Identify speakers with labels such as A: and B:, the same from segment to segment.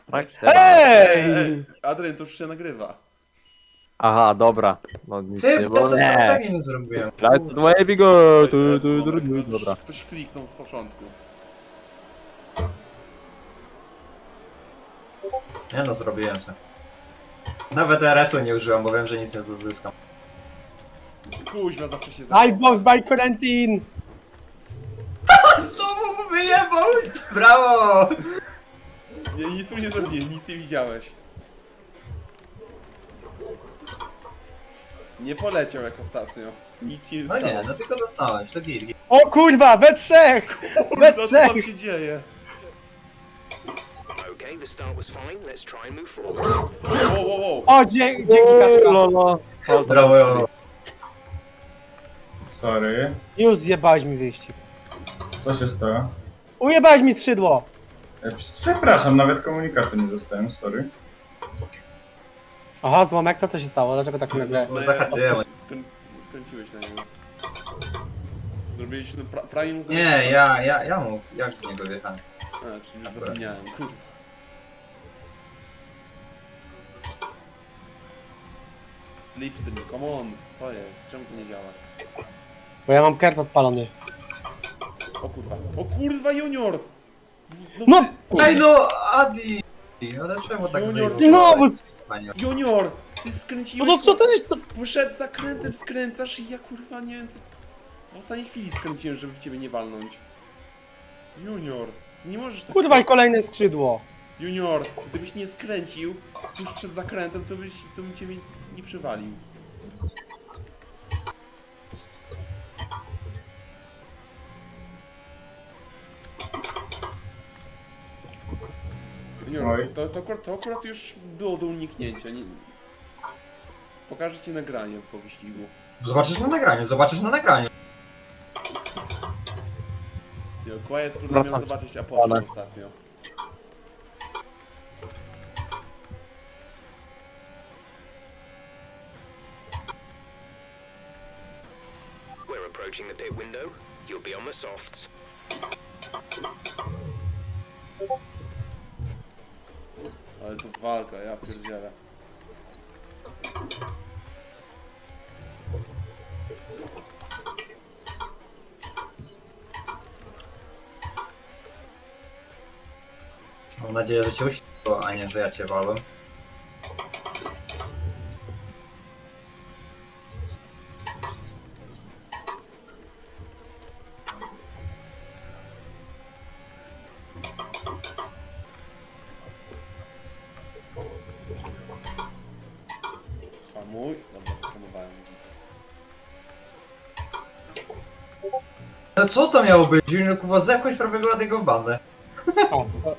A: Ej!
B: Adrian, to już się nagrywa.
A: Aha, dobra. No nic
C: Ty,
A: nie
C: po
A: było.
C: prostu
A: Nie.
C: strategię nie zrobiłem.
A: Right to baby go. Dobra.
B: Ktoś kliknął w początku.
C: Nie no, zrobiłem to. Nawet RS-u nie użyłem, bo wiem, że nic nie zyskam.
B: Kuźma zawsze się
A: I bought by quarantine.
C: Znowu wyjebał! Brawo!
B: Nie, nic mu nie zrobiłem, nic nie widziałeś. Nie poleciał jak ostatnio. Nic się nie
C: No
B: stało.
C: nie, no tylko dotknąłeś, to git.
A: O kurwa, we trzech!
B: Kurde, co tam się dzieje?
D: Okay, the start was fine. Let's try and move forward.
B: Wow.
A: O, dzięki kaczka. Lolo.
C: Brawo.
E: Sorry.
A: Już zjebałeś mi wyjście.
E: Co się stało?
A: Ujebałeś mi skrzydło.
E: Przepraszam, nawet komunikatu nie dostałem, sorry.
A: Aha, złomek, co się stało? Dlaczego tak nagle?
C: No zahaczyłem.
B: Skręciłeś na niego. Zrobiliśmy prawie mu
C: Nie, ja mu, jak w niego wjechałem.
B: A, czyli już zapomniałem, kurwa. Slipstream, come on, co jest? Czemu to nie działa?
A: Bo ja mam kert odpalony.
B: O kurwa, Junior!
A: No!
C: Ej no, Adi! Ale czemu tak
B: Junior,
C: wyjebałeś?
A: No,
C: Panie?
B: Junior! Ty
A: no
B: skręciłeś...
A: to co to jest? To...
B: Przed zakrętem skręcasz i ja kurwa nie wiem co... W ostatniej chwili skręciłem, żeby w ciebie nie walnąć. Junior, ty nie możesz tak...
A: Kurwa i kolejne skrzydło.
B: Junior, gdybyś nie skręcił tuż przed zakrętem, to bym ciebie nie przywalił. Junior,
E: Oj.
B: to akurat już było do uniknięcia. Nie... Pokażę ci nagranie po wyścigu.
C: Zobaczysz na nagraniu, zobaczysz na nagraniu.
B: Quiet kurde miał zobaczyć Apollo ostatnio.
D: We're approaching the pit window. You'll be on the softs.
B: Ale to walka, ja pierdzielę.
C: Mam nadzieję, że cię uświetliło, a nie, że ja cię walę.
B: A mój? Dobra, pohamowałem.
C: No co to miało być? Junior kuwa zepchłeś prawie go w bandę.
A: A, co?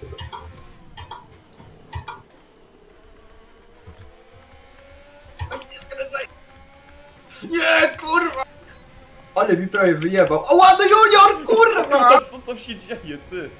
C: Nie skręcaj! Nie, kurwa! Ale mi prawie wyjebał. O, ładny Junior, kurwa!
B: Co tam się dzieje, ty?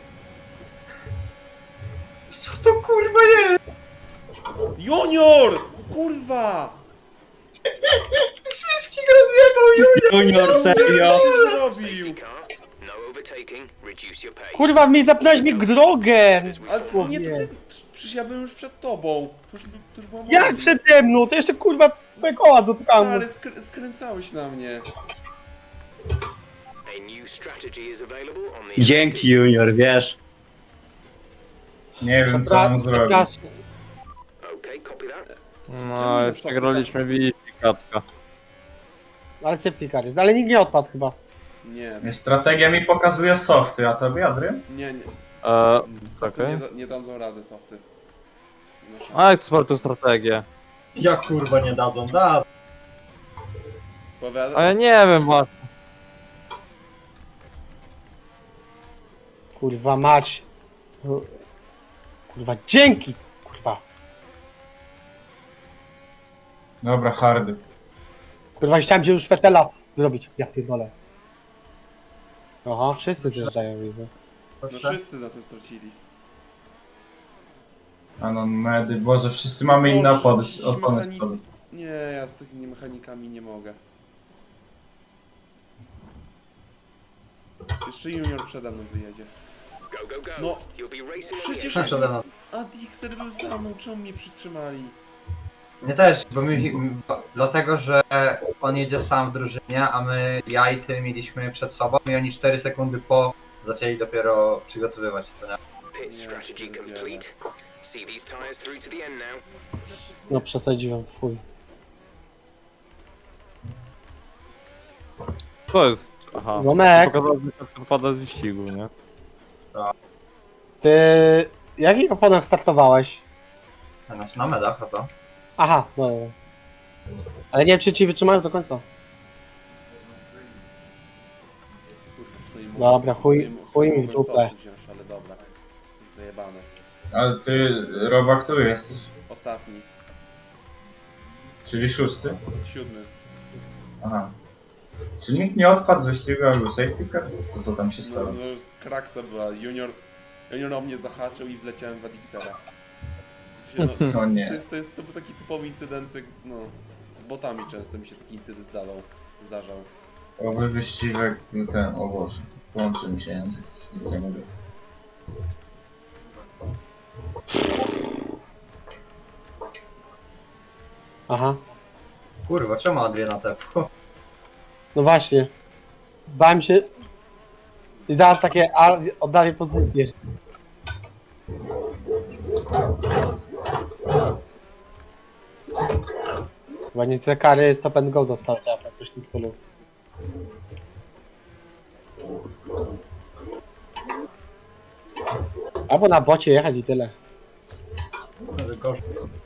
C: Co to kurwa jest?
B: Junior! Kurwa!
C: Wszystkich rozjebał Junior!
A: Junior, serio?
B: Co
D: Safety
B: zrobił?
D: car. No overtaking. Reduce your pace.
A: Kurwa, mi zapnąłeś mi drogę!
B: Ale to nie, to ty... Przecież ja byłem już przed tobą. To już była moja.
A: Jak przede mną? To jeszcze kurwa twoje koła dotknął.
B: Stary, skręcałeś na mnie.
D: A new strategy is available on the
F: Dzięki Junior, wiesz.
E: Nie wiem co mam zrobić.
A: Przepraszam.
D: Okay, copy that.
A: No, już przegraliśmy wyścig, kaczka. Ale safety car jest, ale nikt nie odpadł chyba.
B: Nie,
E: Strategia mi pokazuje softy, a tobie Adrian?
B: nie. Softy
A: okej.
B: nie dadzą rady, softy.
A: A jak to strategię?
C: Jak kurwa nie dadzą, da.
B: Powiada...
A: A ja nie wiem właśnie. Kurwa mać. Kurwa dzięki! Kurwa.
E: Dobra, hardy.
A: Kurwa chciałem się już Fetela zrobić. Ja pierdolę. Aha, wszyscy zjeżdżają, widzę.
B: No wszyscy na tym stracili.
E: Anon medy, Boże, wszyscy mamy inne opony
B: ci
E: opony
B: mechanicy-
E: z przodu.
B: Nie, ja z takimi mechanikami nie mogę. Jeszcze Junior przede mną wyjedzie.
D: Go, go, go.
B: No.
D: You'll be racing on the
B: Przecież
D: edge.
C: Przede mną.
B: A Dixer był za mną, czemu mnie przytrzymali?
C: Mnie też, bo dlatego, że on jedzie sam w drużynie, a ja i ty mieliśmy przed sobą i oni 4 sekundy po zaczęli dopiero przygotowywać. To nie?
D: Pit strategy complete. See these tires through to the end now.
A: No przesadziłem, fuj.
F: To jest... Aha.
A: Zomek!
F: Pokazał, że to wypada z wyścigu, nie?
A: Ty... Jakich oponach startowałeś?
C: Na medach, a co?
A: Aha, no. Ale nie wiem, czy ci wytrzymają do końca.
B: Kurwa, w sumie
A: Dobra,
B: w
A: chuj-
B: sumie
A: chuj mi w
B: mogłem
A: dupę.
B: softu wziąć, ale dobra. Wyjebane.
E: Ale ty, Roba, który jesteś?
B: Ostatni.
E: Czyli 6?
B: 7.
E: Aha. Czy nikt nie odpadł z wyścigu albo safety car? To co tam się
B: No,
E: stało?
B: no z kraksa była. Junior o mnie zahaczył i wleciałem w Adixera. W sensie, no,
E: O nie.
B: to był taki typowy incydent, no. Z botami często mi się taki incydent zdarzał.
E: Oby wyścigek, ten, o Boże. Połączy mi się język, nic nie mówię.
A: Aha.
C: Kurwa, czemu Adriana tepło?
A: No właśnie. Bałem się... I zaraz takie oddali pozycję. Chyba nie te kary stop and go dostał, tak, coś w tym stylu. Albo na bocie jechać i tyle.
C: Gorzej.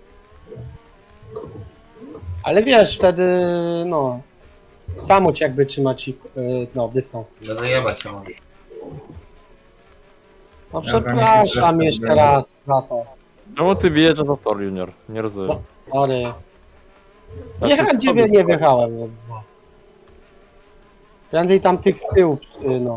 A: Ale wiesz, wtedy no... Samo ci jakby trzymać no, dystans.
C: Że wyjebać się może.
A: No
E: Ja tam
A: przepraszam
E: jakiś
A: jeszcze
E: zestaw
A: raz za to.
F: Czemu ty wyjeżdżasz za tor, Junior? Nie rozumiem.
A: No, sorry.
F: Ja
A: Nie,
F: się
A: ciebie
F: sobie-
A: nie wjechałem, więc no. Prędzej tam tych z tyłu, no.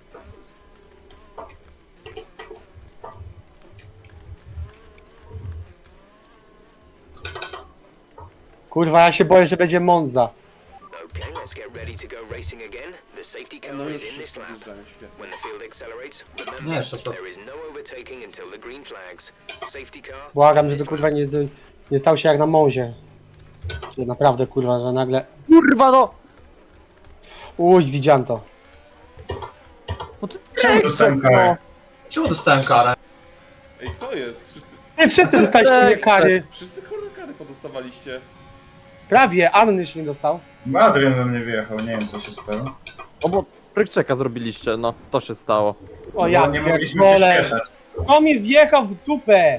A: Kurwa, ja się boję, że będzie Monza.
D: Okay, let's get ready to go racing again. The safety car
B: No już
D: is in this
B: wszyscy
D: lap.
B: wjeżdżają, świetnie.
D: When the field accelerates,
C: Nie,
D: remember,
C: jeszcze to.
D: there is no overtaking until the green flags. Safety car.
A: Błagam,
D: in
A: żeby
D: this
A: kurwa
D: lap.
A: nie stał się jak na Monzie. Czy naprawdę kurwa, że nagle...
F: Kurwa no!
A: Uj, widziałem to.
F: No ty
E: Czemu dostałem karę?
C: Czemu dostałem karę?
B: Ej, co jest?
A: Wszyscy dostaliście mnie kary.
B: Wszyscy kurwa kary podostawaliście.
A: Prawie, Annyś nie dostał.
E: Adrian we mnie wyjechał, nie wiem co się stało.
F: No bo prykczeka zrobiliście, no to się stało.
A: O ja
E: Bo nie mogliśmy
A: pierdolę.
E: przyspieszać.
A: To mi wjechał w dupę.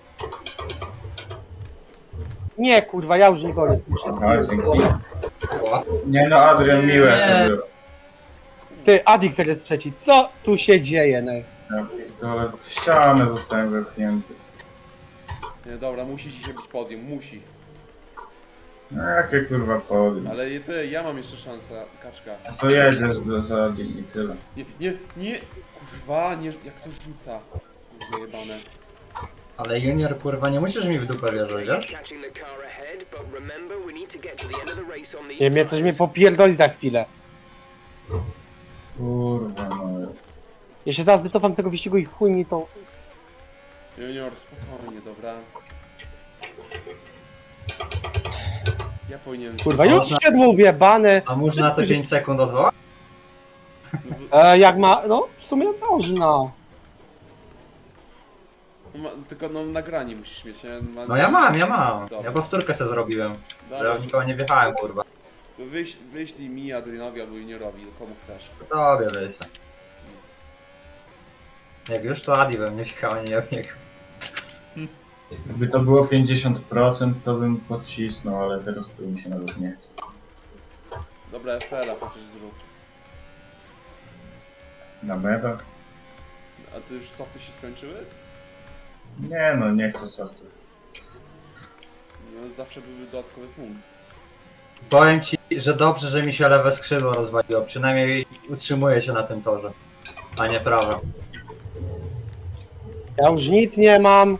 A: Nie kurwa, ja już nie gonię.
E: Aha, dzięki.
C: Ła.
E: Nie no, Adrian, miłe
C: Nie.
E: to było.
A: Ty, Adixer jest trzeci. Co tu się dzieje, no?
E: Ja pierdolę, w ścianę zostałem zepchnięty.
B: Nie, dobra, musi dzisiaj być podium, musi.
E: No jakie kurwa podium.
B: Ale ja mam jeszcze szansę, kaczka.
E: To jedziesz do Zadin i tyle.
B: Nie, kurwa, nie, jak to rzuca. Kurwa jebane.
C: Ale Junior, kurwa, nie musisz mi w dupę wierzyć, wiesz?
D: Catching the car ahead, but remember we need to get to the end of the race on these
A: Nie, mnie coś mnie
D: tires.
A: popierdoli za chwilę.
E: Kurwa no.
A: Ja się zaraz wycofam z tego wyścigu i chuj mi to...
B: Junior, spokojnie, dobra. Ja powinienem...
A: Kurwa, już siedło ubiebane.
C: A można te 5 sekund odwołać?
A: Jak ma... No, w sumie można.
B: Tylko no nagranie musisz mieć, nie?
C: No ja mam.
B: Dobra.
C: Ja powtórkę sobie zrobiłem. Że
B: Dobra,
C: w nikogo nie wjechałem, kurwa.
B: wyślij mi, Adrianowi albo Juniorowi, komu chcesz.
C: Tobie wyjdzie. Jak już to Adi we mnie wjechał, a nie w niego.
E: Jakby to było 50%, to bym podcisnął, ale teraz to mi się nawet nie chce.
B: Dobra, FL-a chociaż zrób.
E: Na medach?
B: A ty już softy się skończyły?
E: Nie no, nie chcę softu.
B: No zawsze byłby dodatkowy punkt.
C: Powiem ci, że dobrze, że mi się lewe skrzydło rozwaliło. Przynajmniej utrzymuję się na tym torze. A nie prawe.
A: Ja już nic nie mam.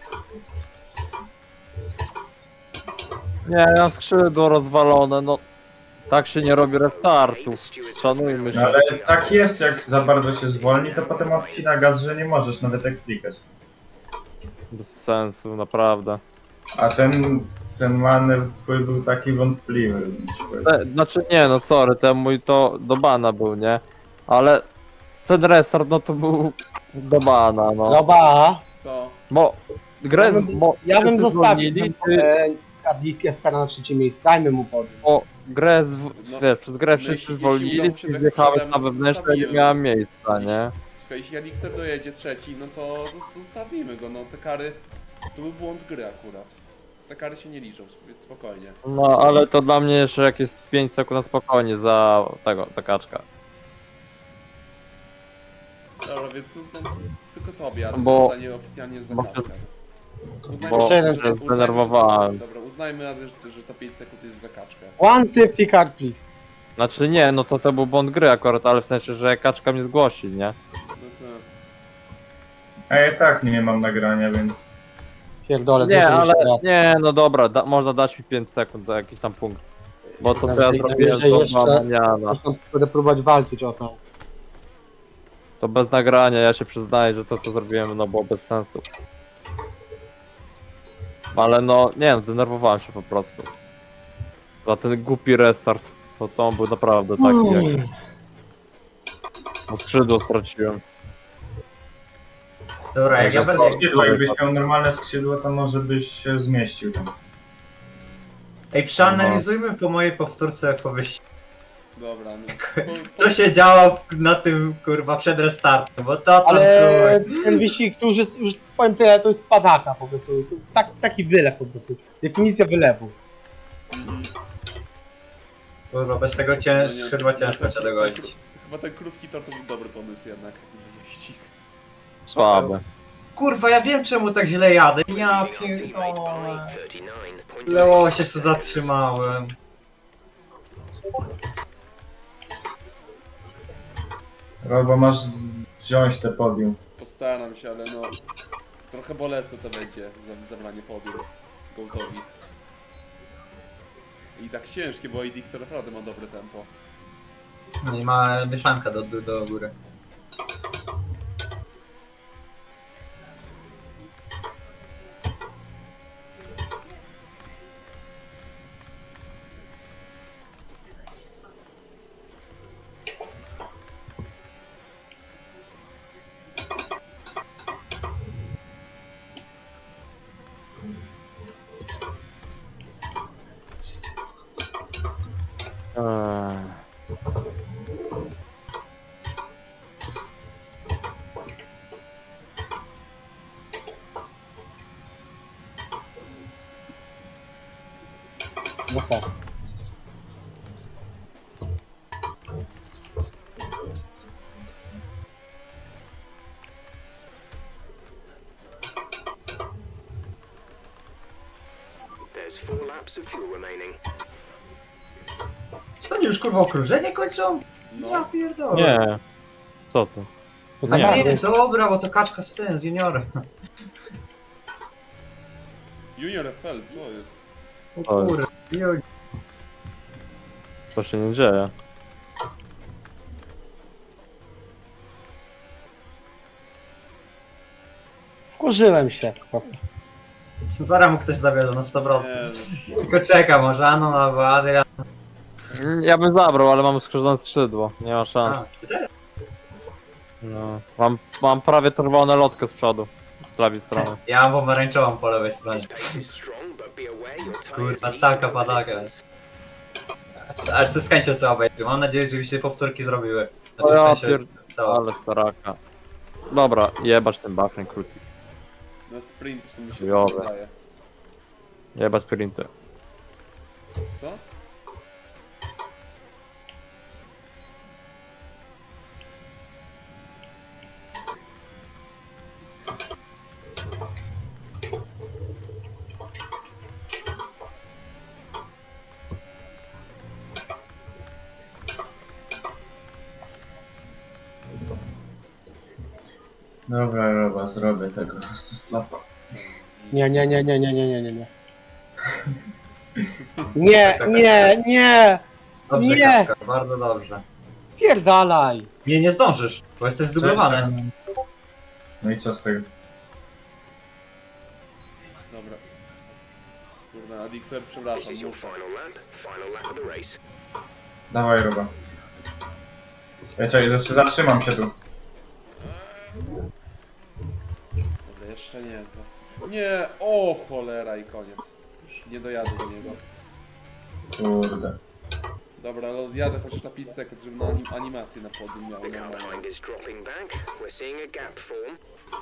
F: Nie, na skrzydło rozwalone, no. Tak się nie robi restartu. Szanujmy
E: No
F: się.
E: ale tak jest, jak za bardzo się zwolni, to potem odcina gaz, że nie możesz nawet jak klikać.
F: Bez sensu, naprawdę.
E: A ten manewr twój był taki wątpliwy. bym ci powiedział.
F: Znaczy nie, no sorry, ten mój to do bana był, nie? Ale ten restart, no to był do bana, no.
A: Dobra.
B: Co?
F: Bo grę,
A: Ja bym zostawił
F: zwolnili, ty,
A: Cardiff na trzecie miejsce. Dajmy mu podnieść.
F: bo grę,
B: No,
F: wiesz, przez grę
B: no
F: wszyscy
B: jeśli
F: zwolnili,
B: udało się
F: ty
B: tak
F: wjechałeś
B: przodem,
F: na wewnętrzne, nie
B: zostawimy.
F: miałem miejsca, nie?
B: Słuchaj, jeśli Elixir dojedzie trzeci, no to zostawimy go, no te kary... To był błąd gry akurat. Te kary się nie liczą, więc spokojnie.
F: No, ale to dla mnie jeszcze jakieś 5 sekund na spokojnie za tego, ta kaczka.
B: Dobra, więc no tylko tobie, a
F: Bo-
B: zostanie oficjalnie za
F: bo-
B: kaczkę.
F: Bo
A: Jeszcze jeden
F: się zdenerwowałem.
B: Dobra, uznajmy, że to 5 sekund jest za kaczkę.
A: One safety car, please.
F: Znaczy nie, no to był błąd gry akurat, ale w sensie, że kaczka mnie zgłosi, nie?
B: No to...
E: A ja i tak nie mam nagrania, więc...
A: Pierdolę,
F: Nie,
A: złożymy
F: ale
A: jeszcze raz.
F: nie, no dobra, można dać mi 5 sekund za jakiś tam punkt. Bo to co ja
A: Najwyżej-
F: zrobiłem
A: najwyżej
F: to
A: jeszcze-
F: maniana.
A: Zresztą będę próbować walczyć o to.
F: To bez nagrania, ja się przyznaję, że to co zrobiłem no było bez sensu. Ale no, nie no, denerwowałem się po prostu. Za ten głupi restart, to on był naprawdę taki jak... Bo skrzydło straciłem.
C: Dobra, jak ja
F: Także
C: będę...
E: Skrzydło, jakbyś miał normalne skrzydło, to może byś się zmieścił tam.
C: Ej, przeanalizujmy po mojej powtórce po wyścigu.
B: Dobra, no.
C: Co się działo na tym, kurwa, przed restartem, bo to tam
A: Ale
C: kurwa,
A: ten wyścig, tu już powiem tyle, to jest padaka po prostu. To taki wylew po prostu. Definicja wylewu.
C: kurwa, bez tego skrzydła ciężko cię dogonić.
B: Chyba ten krótki tor to był dobry pomysł jednak, wyścig.
F: Słabe.
C: Kurwa, ja wiem czemu tak źle jadę. Ja pierdolę.
D: 39.
C: Leło się co zatrzymałem.
E: Albo masz wziąć te podium.
B: Postaram się, ale no... Trochę bolesne to będzie, zabranie podium Gołtowi. I tak ciężkie, bo Elixir naprawdę ma dobre tempo.
C: No i ma mieszanka do góry.
A: No tak.
D: There's 4 laps of fuel remaining.
C: Co oni już kurwa okrążenie kończą? Ja
B: No,
C: pierdolę.
F: Nie. Co ty?
A: To
C: A
A: tak
C: nie,
A: jest.
C: dobra, bo to kaczka z tym, z juniorem.
B: Junior FL, co jest?
C: O
F: To jest-
C: kurwa, juj.
F: To się nie dzieje.
A: Wkurzyłem się po prostu.
C: Zaraz mu ktoś zabierze na 100%.
B: Nie,
C: Tylko czeka, może Anon albo Adrian.
F: Ja bym zabrał, ale mam skrzydłone skrzydło. Nie ma szans.
C: A, ty też?
F: No. Mam prawie czerwone lotkę z przodu. Z lewej strony.
C: Ja mam pomarańczową po lewej stronie.
D: This pace is strong, but be aware your tyres
C: Kurwa,
D: need
C: taka
D: to go the
C: padaka.
D: distance.
C: Aż ze z chęcią to obejrzę. Mam nadzieję, że mi się powtórki zrobiły.
F: O
C: Znaczy,
F: ja
C: w sensie, co?
F: Ale staraka. Dobra, jebać ten buffering krótki.
B: na sprint w sumie się
F: Chujowe.
B: wydaje.
F: Jebać sprinty.
B: Co?
E: Dobra, zrobię tego slapa.
A: Nie. Nie!
C: Dobrze,
A: Nie!
C: Kaczka, bardzo dobrze.
A: Pierdalaj!
C: Nie zdążysz, bo jesteś zdublowany.
E: No i co z tego?
B: Dobra. Kurna, Adixer, przepraszam.
D: This is your
B: muszę.
D: final lap of the race.
E: Dawaj, Roba. Czekaj, zatrzymam się tu.
B: Dobra, jeszcze nie jest. Nie, o cholera i koniec. Już nie dojadę do niego.
E: Kurde.
B: Dobra, ale jadę chociaż na 5 sekund, żeby na animację na podium miał.
D: The car
B: normalnie.
D: behind is dropping back. We're seeing a gap form.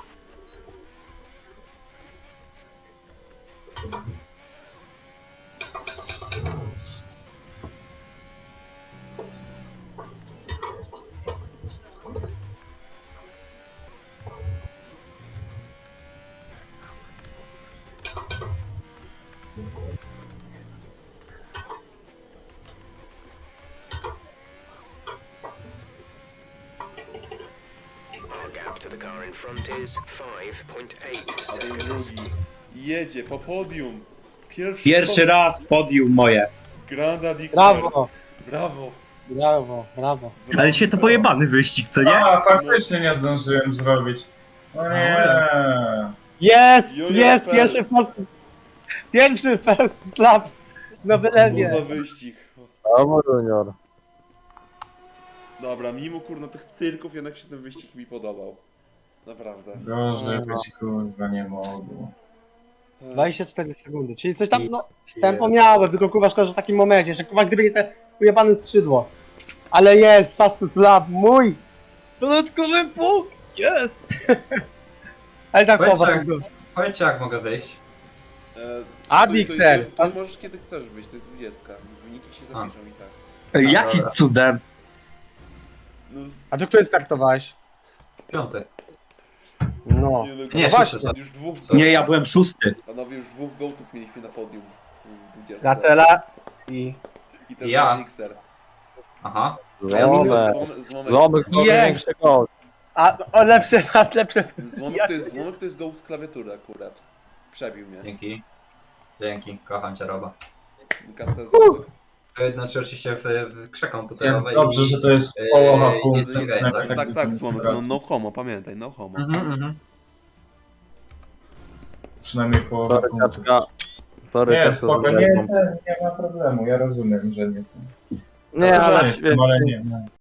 D: Our gap to the car in front is 5.8
B: A ten
D: seconds.
B: drugi jedzie po podium.
G: Pierwszy raz podium moje.
B: Grand Adixer.
A: Brawo,
B: Brawo.
A: brawo, brawo.
G: Ale się to pojebany wyścig, co nie?
E: A, faktycznie nie zdążyłem zrobić. O nie.
A: Jest,
B: Junior
A: jest,
B: Fel.
A: pierwszy first lap na
B: Co za
A: wylewie.
B: wyścig.
F: Brawo, Junior.
B: Dobra, mimo kurna tych cyrków jednak się ten wyścig mi podobał. Naprawdę.
E: Gorzej być kurwa nie mogło.
A: 24 sekundy, czyli coś tam, no, tempo miałem, tylko kurwa szkoda, że w takim momencie, że kurwa gdyby nie te ujebane skrzydło. Ale jest, fastest lap, mój! Dodatkowy punkt, jest! Ale tak
C: Powiedz,
A: chowa,
C: jak- Powiedzcie jak mogę wyjść.
A: Adixer.
B: Ty możesz kiedy chcesz wyjść, to jest 20. Wyniki się zapiszą i tak.
G: Jakim cudem?
B: No,
A: A do której startowałeś?
C: 5.
A: No.
B: nie, no,
C: Nie,
A: właśnie.
C: szósty.
B: Już dwóch,
G: Nie, ja byłem 6.
B: panowie, już dwóch gołtów mieliśmy na podium. W 20.
A: Gatela i...
B: I ten
C: Ja.
B: Adixer.
C: Aha.
F: Złomek.
B: Złomek,
F: Złomek to
A: Jest.
F: większy gol.
A: A, o, lepsze, lepsze...
B: Złomek to jest gołt z klawiatury akurat. Przebił mnie.
C: Dzięki. Dzięki, kocham cię Roba.
B: KC Złomek.
C: Znaczy oczywiście w krzeką tutaj
E: Dobrze, że to jest połowa punktu.
B: Tak, Złomek, no homo, pamiętaj, no homo.
E: Przynajmniej połowa
F: Sorry,
E: punktu.
F: kaczka. Sorry,
E: Nie,
F: kaczka.
E: spoko, nie ma problemu, ja rozumiem, że nie.
F: Nie, ale
E: Jestem, ale nie.